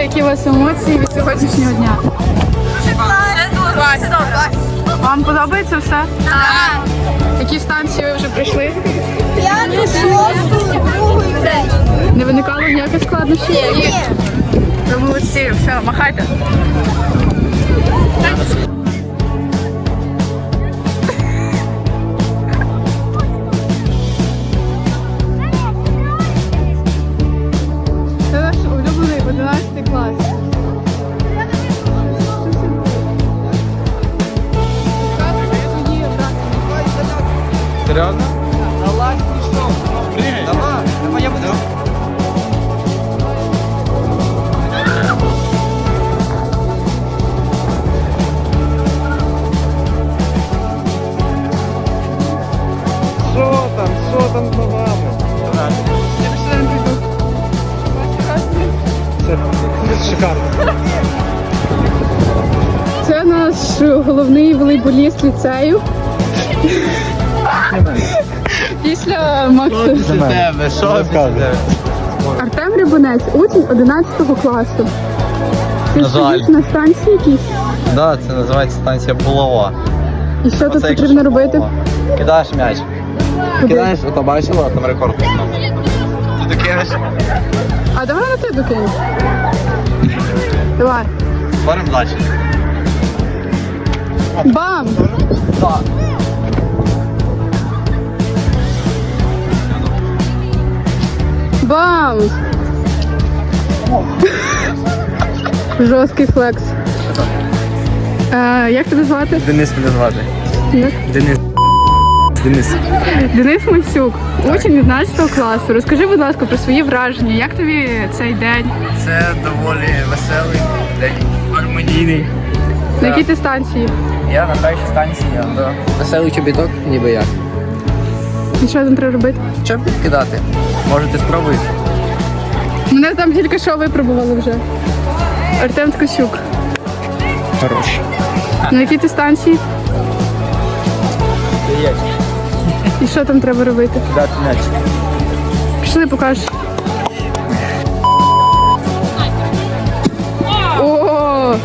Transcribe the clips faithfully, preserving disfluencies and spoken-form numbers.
які у вас емоції від сьогоднішнього дня? Вам подобається все? Так. Які станції ви вже прийшли? П'яту, шосту, другу і третю. Не виникало ніяких складнощів? Ні. Ви молодці, все, махайте. Це наш улюблений одинадцятий клас. Серйозно? Залазь, пішов. Давай, давай, я буду. Що там, що там за вами? Я пішла не прийду. Це, це шикарно. Це наш головний волейболіст ліцею. Після Макса. Це тебе, що тебе? Артем Рибунець, учень одинадцятого класу. Ти На жаль. стоїш на станції якійсь? Да, це називається станція Булава. І що тут Оце як потрібно школа. робити? Кидаєш м'яч. Куди? Кидаєш, ото бачила, там рекорд. Ти докинеш. А давай на ти докинь. Давай. Створимо далі. Бам! Так. Бам! Жорсткий флекс. Е, як тебе звати? Денис мене звати. Як? Денис. Денис. Денис Мальцюк, учень одинадцятого класу. Розкажи, будь ласка, про свої враження. Як тобі цей день? Це доволі веселий день. Гармонійний. На якій ти станції? Я на першій станції, да. Веселий чобіток, ніби я. І що там треба робити? Що підкидати? Можете спробуйте. Мене там тільки що випробували вже. Артем Ткачук. Хорош. На якій ти станції? Є. І що там треба робити? Кидати м'яч. Пішли, покажеш. О!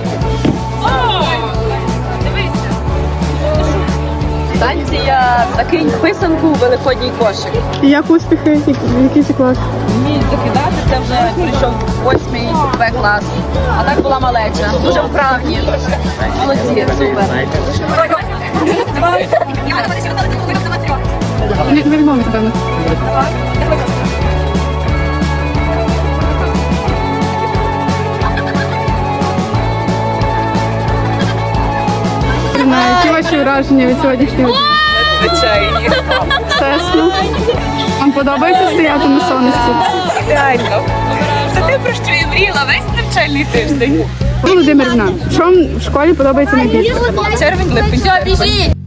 Станція «Закинь писанку у великодній кошик». І як успіхи? Який це клас? Вміють закидати, це вже прийшов восьмий Б клас. А так була малеча. Дуже вправні. Молодці, супер. Не, не відмовити, певно. Які ваші враження від сьогоднішнього дня? Звичайні. Чесно. Вам подобається стояти на сонечку? Реально. Це те, про що я мріяла весь навчальний тиждень. Володимирівна, що вам в школі подобається найбільше? Червень, липень.